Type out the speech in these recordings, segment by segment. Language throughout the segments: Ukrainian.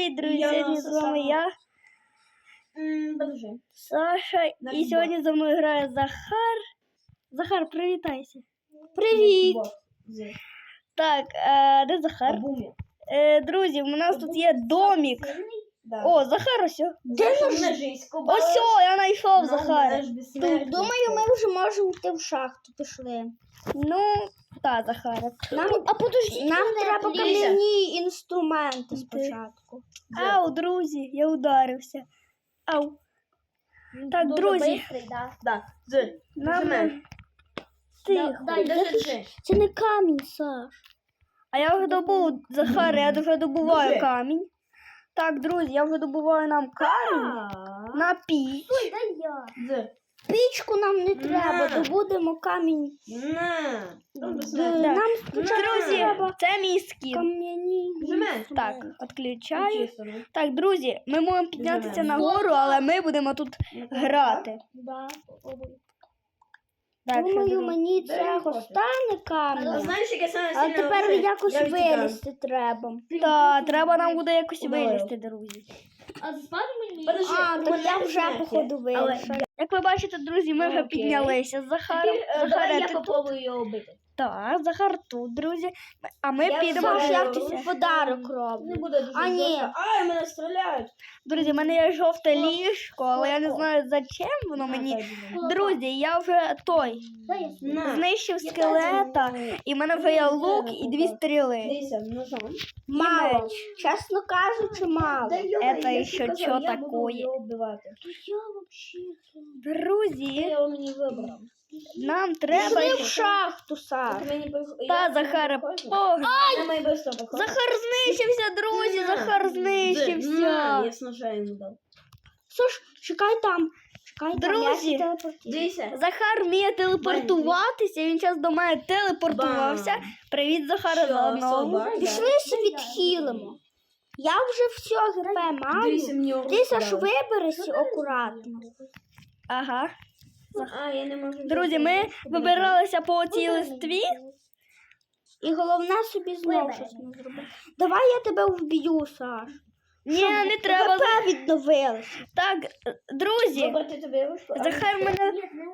Привіт, друзі! Сьогодні з вами я, Саша, і сьогодні за мною грає Захар. Захар, привітайся. Привіт! Так, де Захар? Друзі, у нас тут є домик. О, Захар ось. Де наш? Ось, я знайшов Захара. Думаю, ми вже можемо йти в шахту. Пішли. Ну, так, Захара. Нам треба кам'яні інструменти спочатку. Ау, друзі, я ударився. Ау. Так, друзі. Нам... Тихо. Це не камінь, Саш. А я вже добув, Захар, я вже добуваю камінь. Так, друзі, я вже добуваю нам камінь на піч. Ой, дай я. Пічку нам не треба, добудемо камінь. Нам Друзі, це мій скін. кам'яні. Так, відключаю. Так, друзі, ми можемо піднятися нагору, але ми будемо тут грати. Так, Думаю, мені цього стане камінь. А тепер якось вилізти треба. Так, треба нам буде якось вилізти, друзі. Так я вже, походу, вилізла. Як ви бачите, друзі, ми вже піднялися з Захаром. Давай я попробую його вбити. Так, Захар тут, друзі. А ми підемо Саш, я гратися. тобі подарок роблю. Ні. Ай, мене стріляють. Друзі, в мене є жовте ліжко, але я не знаю, за чим воно мені. Друзі, я вже знищив скелета, і в мене вже є лук і 2 стріли. Дивіться, ножом. Мало. Чесно кажучи, мало. Это ще що таке? Друзі, його мені вибрав. нам треба... Пішли в шахту, Саш. Та, Захара, Захар знищився, друзі, Захар знищився. Я з ножа йому дав. Саш, чекай там. Друзі, Дивіться. Захар вміє телепортуватися, він зараз до мене телепортувався. Привіт, Захара, заодно. Пішли се відхилимо. Я вже все ГП маю. Ти, Саш, виберися акуратно. Ага. А, я не можу. Друзі, ми вибиралися по цій листві. І головне собі знову щось не зробити. Давай я тебе вб'ю, Саш. Ні, не треба. ГП відновилося. Так, друзі, Вибрати тобі вишку. Захар мене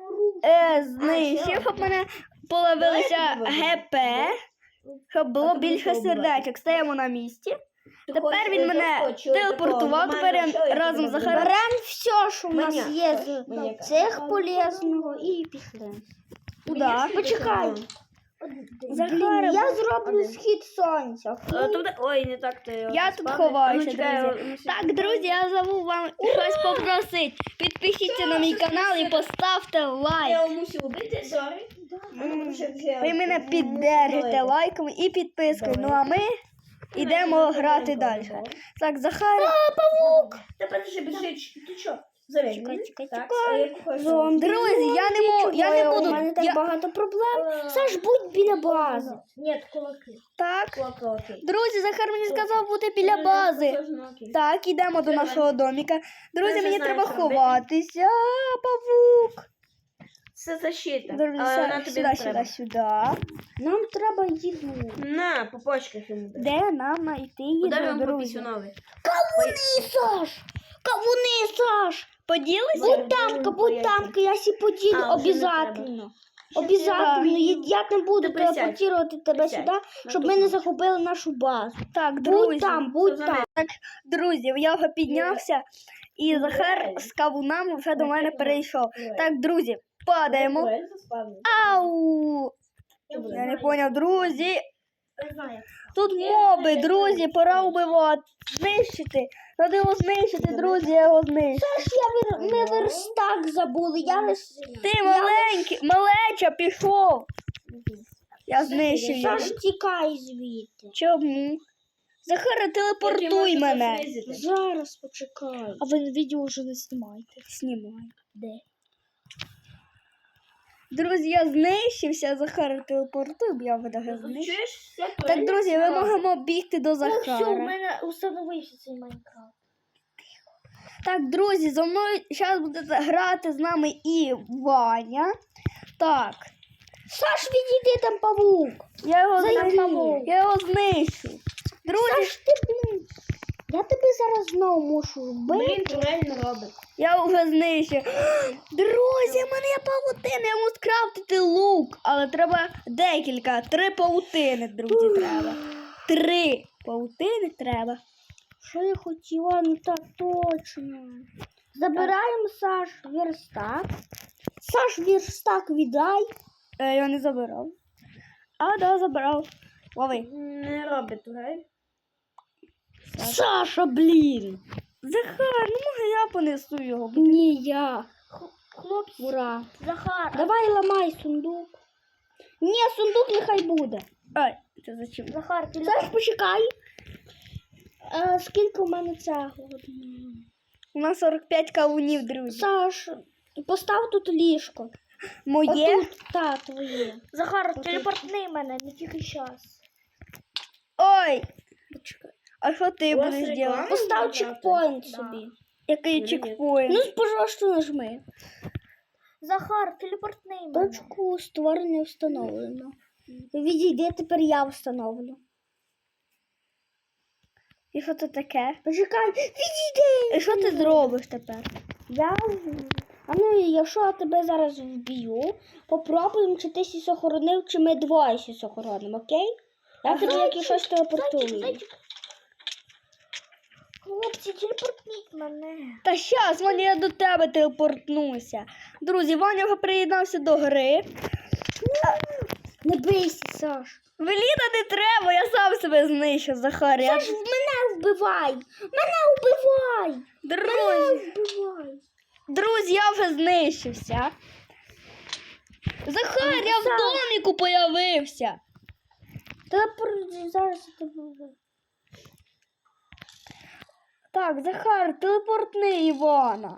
знищив, щоб мене половилися ГП, щоб було більше сердечок. Стаємо на місці. Тепер він мене телепортував, тепер я разом з Захаром. Беремо все, що в нас є з цих полезного, і пішли. Куда? Почекай. Захар, Я зроблю схід сонця. Ой, не так ти. я тут ховаюся, друзі. Так, друзі, я забув вам щось попросити. Підпишіться на мій канал і поставте лайк. Я мусив убити, сорі. Ви мене піддержите лайком і підпискою. Ну а ми йдемо грати далі. Так, Захар. Павук! Тепер ще біжить. Ти що? Завіть. Чекай. Друзі, я не буду. У мене так багато проблем. Саш, будь біля бази. Ні, кулаки. Так. Кулаки. Друзі, Захар мені сказав бути біля бази. Так, ідемо до нашого доміка. Друзі, мені треба ховатися. Павук. Це защита. Друзі, сюди. Нам треба їду. На, по почках йому дай. Де нам знайти Удар їду, йому по друзі? пісюнові. Кавуни, Саш! Кавуни, Саш! Поділися? Будь тамка, я сі поділю А, вже не обов'язательно. Обов'язательно. Я не буду Ти присядь. телепортувати тебе Присядь. сюди, щоб ми не захопили нашу базу. Так, друзі. Будь там. Друзі, я вже піднявся, і Захар з кавунами вже до мене перейшов. Так, друзі, падаємо. Ау! Я не поняв, друзі. Тут моби, друзі, пора вбивати. Знищити. Треба його знищити, друзі, я його знищу. Ми верстак забули. Ти маленький, малеча, пішов. Я знищив його. Саш, тікай звідти. Чому? Захара, телепортуй мене. Зараз почекай. А ви відео вже не знімаєте? Знімаю. Де? Друзі, я знищився, Захара телепортуй, бо я видаю знищив. Так, друзі, ми можемо бігти до Захара. мене установився цей Майнкрафт. Так, друзі, зо мною зараз буде грати з нами і Ваня. Так. Саш, відійди, там павук. Я його знищу. Друзі, Саш, ти, блін. Я тобі зараз знову мушу вбити. Блін, турель не робить. Я вже знищив. Друзі, в мене є павутина, я можу скрафтити лук. Але треба декілька. 3 павутини, друзі, треба. 3 павутини треба. Що я хотіла? Ну так точно. Забираємо Саш верстак. Саш верстак віддай. Я його не забирав. А, да, забрав. Лови. Не робить турель. Саша, блін. Захар, ну може я понесу його. Ні, я. Хлопці, Ура. Захар. Давай ламай сундук. Ні, сундук нехай буде. Ай, це зачем? Захар, ти Саш, почекай. Скільки у мене цього? У нас 45 кавунів, друзі. Саш, постав тут ліжко. Моє? Отут, та, твоє. Захар, телепортни мене, не тільки час. Ой, Почекай. а що ти У вас будеш реклама? робити? Постав Да. чекпоінт Да. собі. Який чекпоінт? Ну, пожалуйста, нажми. Захар, телепортни мене. Точку створення встановлено. Відійди, тепер я встановлю. І що це таке? Почекай, відійди! І що ти зробиш тепер? Я... А ну, якщо я тебе зараз вб'ю, попробуємо, чи ти сісь охоронив, чи ми двоє сісь охоронимо, окей? Я тобі як і щось телепортую. Хлопці, телепортніть мене. Та щас, Ваня, я до тебе телепортнуся. Друзі, Ваня вже приєднався до гри. Не бийся, Саш. Веліда не треба, я сам себе знищу, Захар. Я... Саш, мене вбивай! Мене вбивай! Друзі, Вбивай! друзі, я вже знищився. Захар, я в Саш. доміку появився. Телепорт зараз я тебе вбиваю. Так, Захар, телепортни Івана.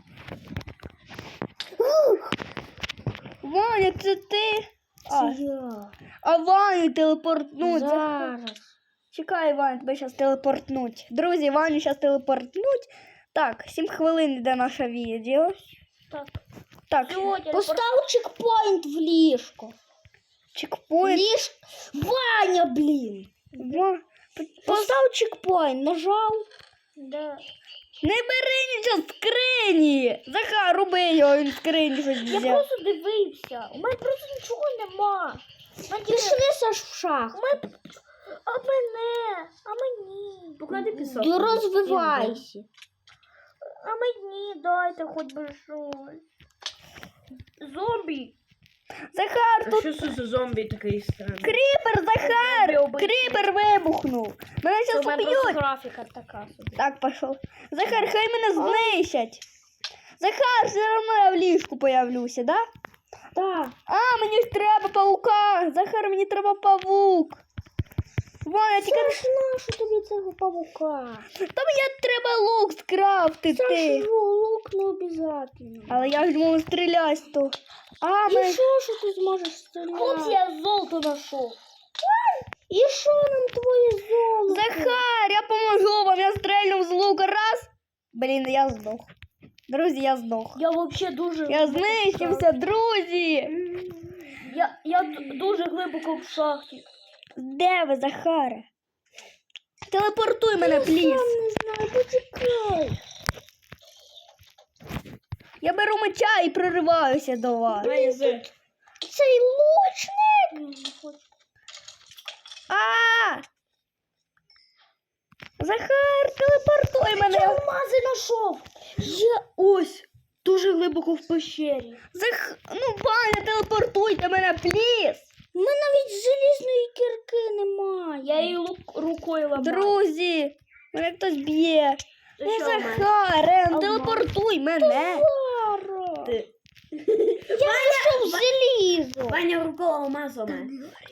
Ваня, це ти? А Ваню телепортнуть. Захар. Зараз. Чекай, Ваня, тебе зараз телепортнуть. Друзі, Ваню зараз телепортнуть. Так, 7 хвилин йде наше відео. Так. Так, Постав чекпоінт в ліжко. чекпоінт. Ваня, блін. Постав чекпоінт, нажав. Да. Не бери нічого з скрині. Захар, роби його, він з скрині щось Я взяв. просто дивився. У мене просто нічого нема. Пішли, Саш, в шах. А мене? А мені? Поклади пісок. Розвивайся. А мені дайте хоч би щось. Зомбі. Захар, тут що це за зомбі такий странний? кріпер, Захар! Кріпер вибухнув. Мене зараз уб'ють. графіка така собі. Так, пішов. Захар, хай мене знищать. Захар, все одно я в ліжку появлюся, да? Так. А, мені ж треба паука. Захар, мені треба павук. Ваня, тільки... Саш, нащо тобі цього павука? Та мені треба лук скрафтити. Саш, лук не обов'язково. Але я ж можу стріляти з того. А, І що ти зможеш стріляти? Хлопці, я золото знайшов. І що нам твоє золото? Захар, я поможу вам, я стрельну з лука раз. Блін, я здох. Друзі, я здох. Я взагалі дуже... Я знищився, друзі. Я дуже глибоко в шахті. Де ви, Захаре? Телепортуй мене, пліз. Я не знаю, почекай. Я беру меча і прориваюся до вас. Цей лучник. А! Захар, телепортуй мене. Я алмази знайшов. Я ось дуже глибоко в пещері. Ну, Ваня, телепортуйте мене, пліз. У мене навіть желізної кірки немає. Я її рукою ламаю. Друзі, мене хтось б'є. Це Не що в мене? Захарем, телепортуй мене. Зараз. Ти. Я знайшов залізо. Ваня рукою алмазу мене.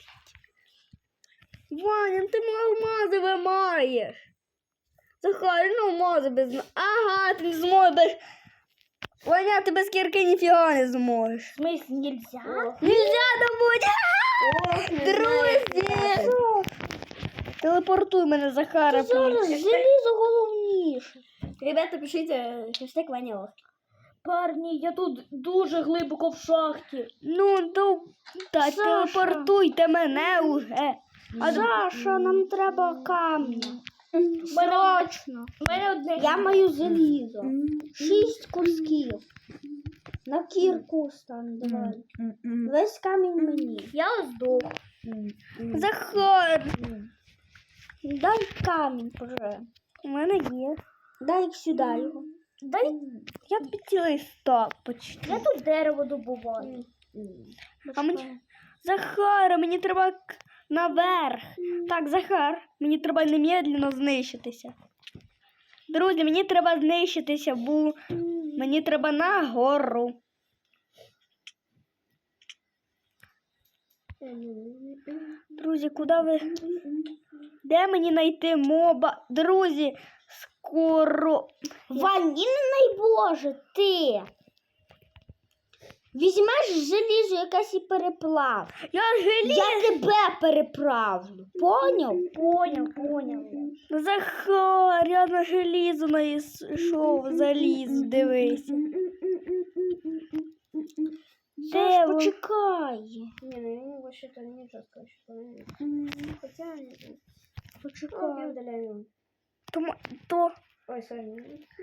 Ваня, ти алмази вимаєш. Захар, ну алмази без... Ага, ти не зможеш. Ваня, ти без кірки ніфіга не зможеш. В смысле, нельзя? Нельзя добуть. Друзі. Телепортуй мене, Захара, Зараз пліз. залізо головніше. Ребята, пишіть хештег Ваня. Парні, я тут дуже глибоко в шахті. Ну, та Саша. телепортуйте мене уже. А Саша, нам треба камня. Срочно. У мене одне. Я маю залізо. 6 кусків. На кірку стане, давай. Весь камінь мені. Я здох. Захар, Дай камінь, вже. у мене є. Дай сюди його. Дай. Я тобі цілий стак почти. Я тут дерево добуваю. А мені... Захар, мені треба наверх. Так, Захар, мені треба немедленно знищитися. Друзі, мені треба знищитися, бо мені треба нагору. Друзі, куди ви? Де мені знайти моба? Друзі, скоро. Вань, не найбоже, ти. Візьмеш желізо якесь і переплав. Я желіз. Я тебе переправлю. Поняв? Поняв. Захар, я на желізо знайшов, заліз, дивися. Саш, Де ви? почекай. Не, ну я не могу что-то ничего сказать, что хотя Почекай. удаляю. То Ой, сори.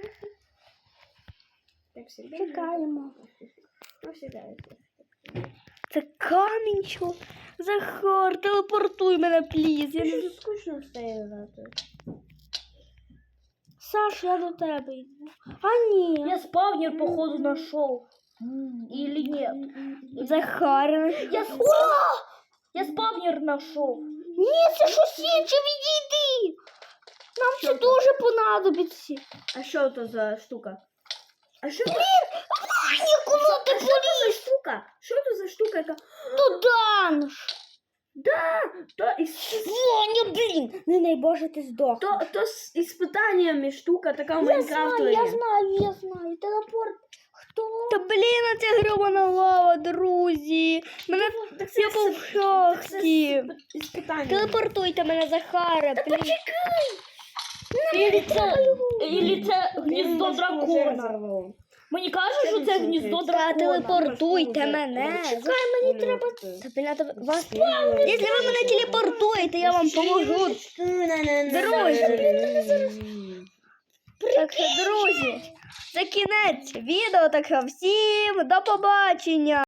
Так всегда. Чекаємо. Ну, всегда. це камінь, що? Захар, телепортуй мене, пліз. Я не... Что скучно стоит за то. Саш, я до тебе йду. А ні. Я спавнер, походу, нашел. Или нет? Захар. Я спавнер нашел. Ні, це щось інше, відійди. Нам це дуже понадобиться. А что это за штука? А что это? Ніколи ти за штука? Что это за штука? поданш. Да, то Воня, блін. Не найбоже, ти здох. то с испытаниями штука такая в Я Майнкрафте. знаю. Телепорт. Хто? Та блін, це гробана лава, друзі. Мене я був в шахті. Испытания. Телепортуйте мене, Захара, пліз. Или це гніздо дракона. Мені кажуть, що це гніздо Та дракона. телепортуйте мене. Чекай, мені треба. Та, блін, та вас... Якщо ви мене телепортуєте, я вам поможу. Друзі. Так що, друзі, це кінець відео. Так що всім до побачення.